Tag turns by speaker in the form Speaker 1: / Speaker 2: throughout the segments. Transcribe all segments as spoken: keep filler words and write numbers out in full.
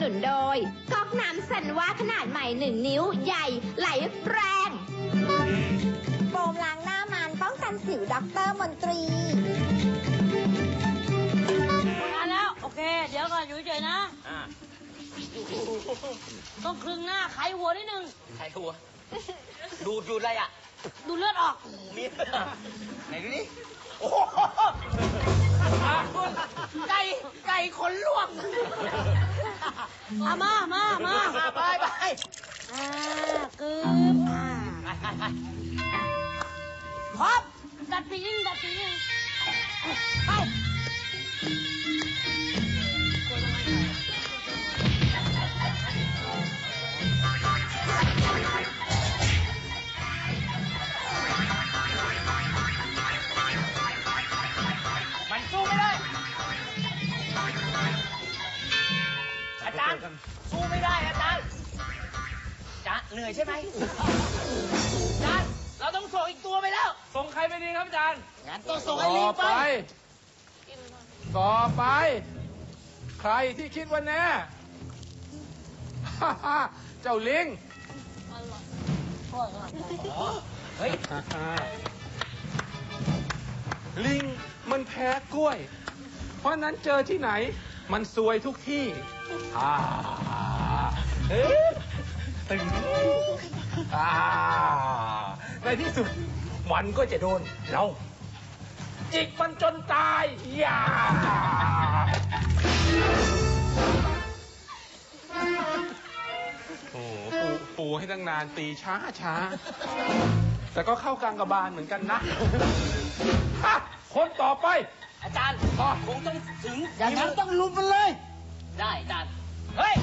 Speaker 1: นุนโดยก๊อกน้ำสันว่าขนาดใหม่หนึ่งนิ้วใหญ่ไหลแรงโฟมล้างหน้ามันป้องกันสิวด็อกเตอร์มนตรี
Speaker 2: มาแล้วโอเคเดี๋ยวก่อนอยู่เฉยๆนะต้องคลึงหน้าไขหัวนิดนึง
Speaker 3: ไขหัวดูดูอะไรอ่ะ
Speaker 2: ดูเลือดออก
Speaker 3: มีไหนดูดิโอ้ไก่ไก่ขนลวก
Speaker 2: มามามามา
Speaker 3: ไปไป
Speaker 2: อ่ากึ๊บอ่าพบดัดปีนึงดัดปีนึงไป
Speaker 3: มันสู้ไม่ได้อาจารย์สู้ไม่ได้อาจารย์จะเหนื่อยใช่ไหมอาจารย์เราต้องส่งอีกตัวไปแล้วส่งใครไปดีครับอาจารย์งั้นต้องส่งไอ้ลิงไป
Speaker 4: ต่อไปใครที่คิดว่าแน่เจ้าลิง
Speaker 3: เฮ้ย
Speaker 4: ลิงมันแพ้กล้วยเพราะนั้นเจอที่ไหนมันซวยทุกที่อ่าเฮ้ยตึงอ่าในที่สุดมันก็จะโดนเราจิกมันจนตายอย่าโอ้ปูปูให้ตั้งนานตีช้าช้าแต่ก็เข้ากลางกระบาลเหมือนกันนะคนต่อไป
Speaker 3: อาจารย์คงต้องถึง
Speaker 2: อย่างนั้นต้องลุมมันเลย
Speaker 3: ได้อาจารย์เฮ้ย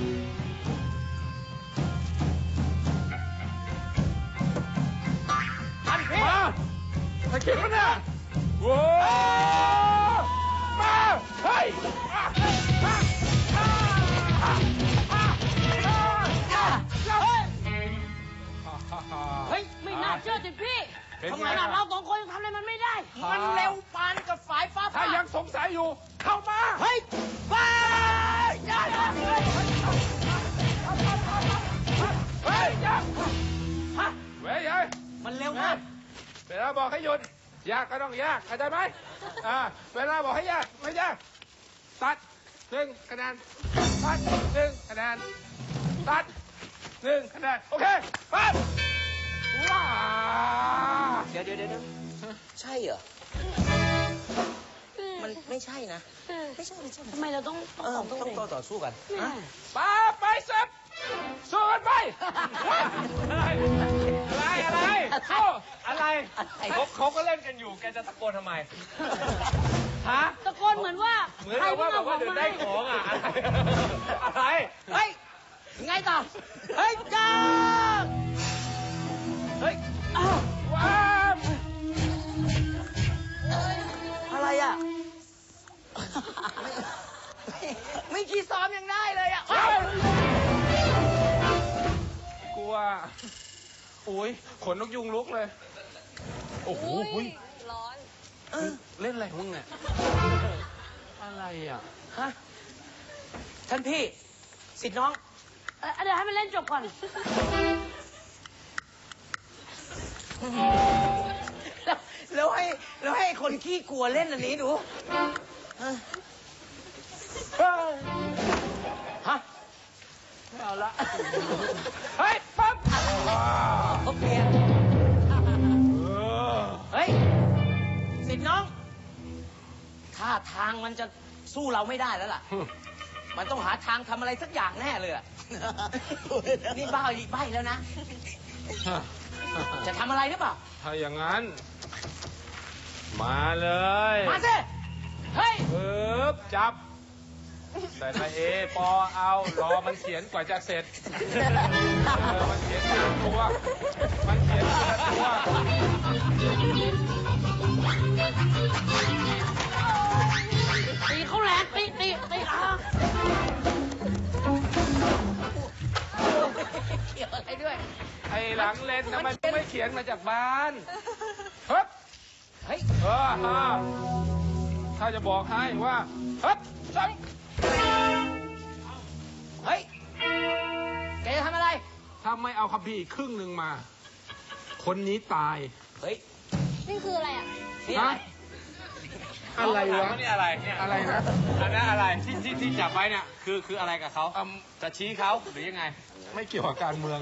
Speaker 3: ทันพี่
Speaker 4: มาถ้าคิดว่าเนี่ยโว้มาเฮ้ย
Speaker 2: เฮ้ยไม่น่าเชื่อสิพี่ทำไมล่ะเราสองคนทำอะไรมันไม่ได้
Speaker 3: มันเร็วปานกับฝายฟ้า
Speaker 4: ถ้ายังสงสัยอยู่เข้ามา
Speaker 3: เฮ้ยว้ายอย่าอย่าเฮ้ย
Speaker 4: เฮ้ยอย่าฮะเว้ยยัย
Speaker 3: มันเร็วมาก
Speaker 4: เวลาบอกให้หยุดยากก็ต้องยากเข้าใจไหมอ่าเวลาบอกให้ยากไม่ยากตัดหนึ่งคะแนนตัดหนึ่งคะแนนตัดหนึ่งคะแนนโอเคไปว้า
Speaker 3: เดี๋ยวเดี๋ยวเดี๋ยวใช่เหรอมันไม่ใช่นะไม่ใช่ไม่ใช่
Speaker 2: ทำไมเราต้อง
Speaker 3: ต้องต้องต่อสู้กัน
Speaker 4: ป้าไปเสร็จสู้กันไปอะไรอะไรอะไรอะไรเขาเขาก็เล่นกันอยู่แกจะตะโกนทำไมฮะ
Speaker 2: ตะโกนเหมือนว่า
Speaker 4: เหมือนว่าแบบว่าเดี๋ยวได้ของอ่ะอะไร
Speaker 3: เฮ้ยไงต่อเฮ้ยจ้าเฮ้ย
Speaker 4: ว้า
Speaker 3: อะไรอ่ะไม่ขี้ซ้อมยังได้เลยอ่ะ
Speaker 4: กลัวโอ้ยขนนกยุงลุกเลยโอ้โห
Speaker 2: ร้อน
Speaker 4: เล่นอะไรของมึงเนี่ยอะไรอ่ะ
Speaker 3: ฮะท่านพี่สิทธิ์น้อง
Speaker 2: เดี๋ยวให้มันเล่นจบก่อน
Speaker 3: แล้วให้แล้วให้คนขี้กลัวเล่นอันนี้ดูฮะ
Speaker 4: ไม่เอาละเฮ้ยปั๊บ
Speaker 3: เขาเปลี่ยนเฮ้ยสิทธิ์น้องท่าทางมันจะสู้เราไม่ได้แล้วล่ะมันต้องหาทางทำอะไรสักอย่างแน่เลยนี่บ้าอีกใบแล้วนะจะทำอะไรหรือเปล่า
Speaker 4: ถ้าอย่างนั้นมาเลย
Speaker 3: มาสิเฮ้ย
Speaker 4: ปึ๊บจับแต่ละเอปอเอารอมันเขียนกว่าจะเสร็จเออมันเขียนทีละตัวมันเขียนทีละตัว
Speaker 2: ตีเขาแหลกตีตีตีอ่ะ
Speaker 3: เกี่ยวอะไรด้วย
Speaker 4: ไอ้หลังเลนทำไมไม่เขียนมาจากบ้านเฮ้ย
Speaker 3: เฮ้ย
Speaker 4: เออฮะถ้าจะบอกให้ว่าเฮ้ยจังถ้าไม่เอาคัมภีร์อีกครึ่งหนึ่งมา คนนี้ตาย
Speaker 3: เฮ้ย
Speaker 1: นี่คืออะไรอ่ะ
Speaker 3: นี่อะไร
Speaker 4: ฮะ อะไรวะ
Speaker 2: นี่อะไรเนี่ย
Speaker 4: อะไรนะ
Speaker 2: อันนั้นอะไรที่ที่ที่จับไว้เนี่ยคือคืออะไรกับเขา
Speaker 4: อืม
Speaker 2: จะชี้เขาหรือยังไง
Speaker 4: ไม่เกี่ยวกับการเมือง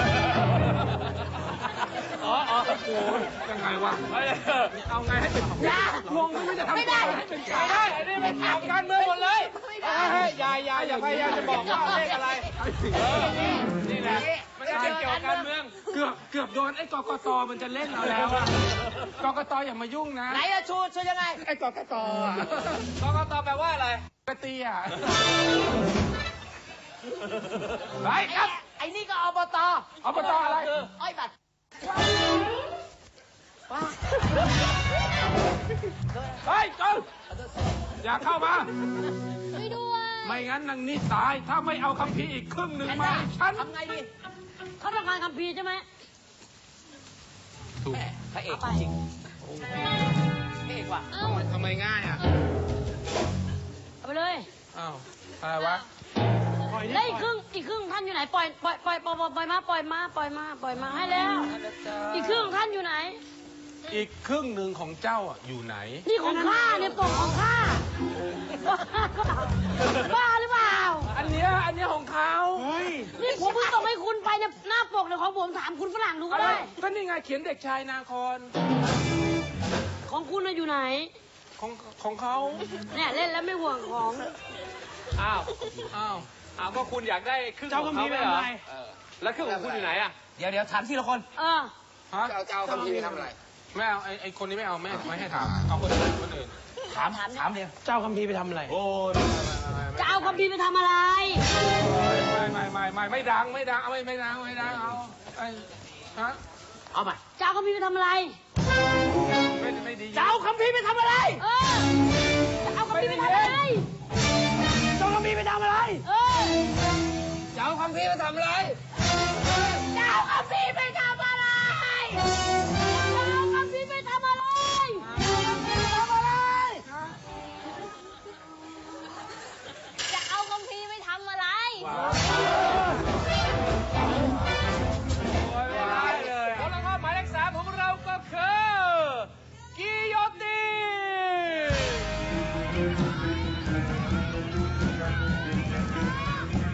Speaker 2: อ๋ออ๋อ
Speaker 4: โอ้โหยังไงวะ
Speaker 2: เฮ้ย
Speaker 4: เอาไงให้เป็น
Speaker 1: อย่าง
Speaker 4: งไม่รู้จะทำ
Speaker 1: ไม่ได้
Speaker 4: ตัวให้เป็นกลาง
Speaker 2: ไม่ได้อันนี้เป็นข่าวการเมืองหมดเลยเฮ้ยอย่าอย่าอย่าพยายามจะบอกว่าเลขอะไรเออนี่แหละมันจะเป็นเกี่ยวกับการเมือง
Speaker 4: เกือบเกือบโดนไอ้กกตมันจะเล่นเราแล้วอะกกตอย่ามายุ่งนะ
Speaker 3: ไหนอะชูชูยังไง
Speaker 4: ไอ้กกตอะ
Speaker 2: กกตแปลว่าอะไร
Speaker 4: กระเตีย
Speaker 2: ไปครับ
Speaker 3: ไอ้นี่ก็อบต
Speaker 4: อบตอะไร
Speaker 3: อ้อยบัตร
Speaker 4: เฮ้ยจนอย่าเข้ามา
Speaker 1: ช่วยด้วย
Speaker 4: ไม่งั้นนางนี่ตาย ถ้าไม่เอาคัมภีร์อีกครึ่งหนึ่งมาให้ฉัน
Speaker 3: ทำไงดี
Speaker 2: เขาต้องการคัมภีร์ใช่ไหม
Speaker 4: ถูก
Speaker 3: พระเอกจริงโอ้โหพระเอกว่ะ
Speaker 1: เอ้า
Speaker 4: ทำไมง่ายอ่ะ
Speaker 2: เอาไปเลย
Speaker 4: อ้าวอะไรวะ
Speaker 2: แล้วอีกครึ่งอีกครึ่งท่านอยู่ไหนปล่อยปล่อยปล่อยปล่อยปล่อยมาปล่อยมาปล่อยมาปล่อยมาให้แล้ว อีกครึ่งท่านอยู่ไหน
Speaker 4: อีกครึ่งหนึ่งของเจ้าอ่ะอยู่ไหน
Speaker 2: นี่ของข้าเนี่ยปกของข้าบ้าหรือเปล่า
Speaker 4: อันเนี้ยอันเนี้ยของเขาเฮ้ย
Speaker 2: นี่ผมเพิ่งส่งให้คุณไปเนี่ยหน้าปกเนี่ยของผมถามคุณฝรั่งดูก็ได้
Speaker 4: ก็นี่ไงเขียนเด็กชายนาคอน
Speaker 2: ของคุณน่ะอยู่ไหน
Speaker 4: ของของเขา
Speaker 2: เนี่ยเล่นแล้วไม่ห่วงของ
Speaker 5: อ้าว
Speaker 4: อ้าว
Speaker 5: อ้าวก็คุณอยากได้ครึ่ง
Speaker 2: เจ้า
Speaker 5: ของ
Speaker 2: คัมภี
Speaker 5: เขา
Speaker 2: ร์
Speaker 5: ไม่เหรอ
Speaker 2: ไปทำไม
Speaker 5: เออแล้วครึ่งของคุณอยู่ไหนอ่ะ
Speaker 3: เดี๋ยวเดี๋ยวถามทีละคน
Speaker 2: เออ
Speaker 4: ฮะ
Speaker 5: จะเอาคัมภีร์ไปทำอะไร
Speaker 4: ไม่เอาไอ้ไอ้คนนี้ไม่เอาไม่ไม่ให้ถามเอาคนอื่นคนอื่น
Speaker 3: ถาม ถามเดียว
Speaker 2: เจ้าคัมภีร์ไปทำอะไร
Speaker 4: โอ้ยไม่ไม่ไม่
Speaker 2: จะเอาคัมภีร์ไปทำอะไร
Speaker 4: ไม่ไม่ไม่ไม่ไม่ดังไม่ดังเอาไม่ไม่ดังไม่ดังเอาไอ้ฮะ
Speaker 3: เอาใหม่
Speaker 2: จะเอาคัมภีร์ไปทำอะไร
Speaker 4: ไม่ไม่ดี
Speaker 3: จะเอาคัมภีร์ไปทำอะไร
Speaker 2: เออ จะเอาคัมภีร์ไปทำอะไร
Speaker 3: จะเอาคัมภีร์ไปทำอะไร
Speaker 2: เออ
Speaker 3: จะเอาคัมภีร์ไปทำอะไร
Speaker 2: จะเอาคัมภีร์ไปทำอะไร จะเอาคัมภีร์ไปทำอะไร
Speaker 1: จะเอาคัมภีร์ไปทำอะไร
Speaker 5: ผลข้อหมายเลขสามของเราก็คือกิโยติน